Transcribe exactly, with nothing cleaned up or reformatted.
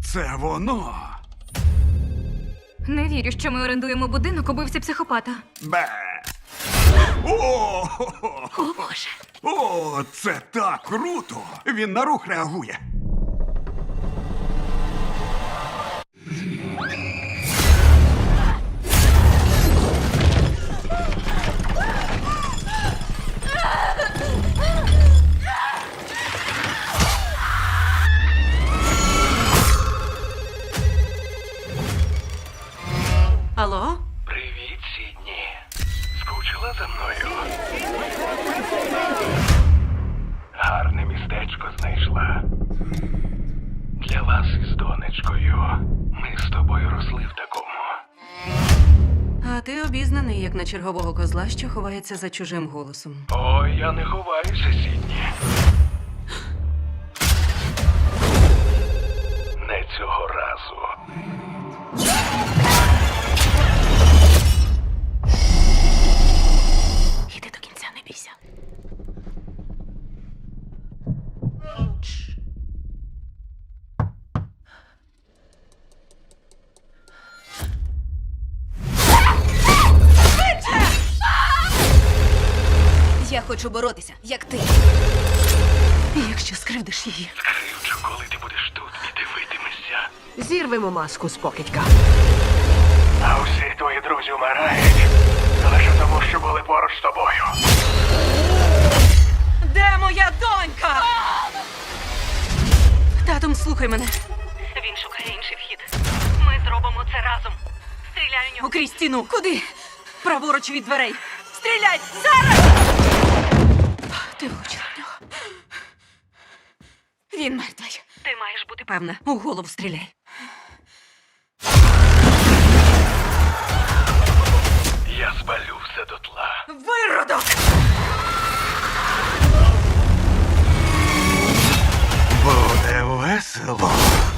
Це воно. Не вірю, що ми орендуємо будинок убивці психопата. Бе. О, О, Боже. О, це так круто! Він на рух реагує. Алло? Привіт, Сідні. Скучила за мною? Гарне містечко знайшла. Для вас із донечкою. Ми з тобою росли в такому. А ти обізнаний, як на чергового козла, що ховається за чужим голосом. Ой, я не ховаюся, Сідні. Не цього разу. Іди до кінця, не бійся. Я хочу боротися, як ти. І якщо скривдиш її, Скривчу, коли ти будеш тут і дивитимешся. Зірвемо маску з покидька. А усі твої друзі вмирають. Лише тому, що були поруч з тобою. де моя донька? Татом, слухай мене. Він шукає інший вхід. Ми зробимо це разом. Стріляй у нього. Окрізь стіну. Куди? Праворуч від дверей. Стріляй! Зараз! Ти влучила в нього. Він мертвий. Ти маєш бути Певна, у голову стріляй. Я спалю все дотла. Виродок! Буде весело.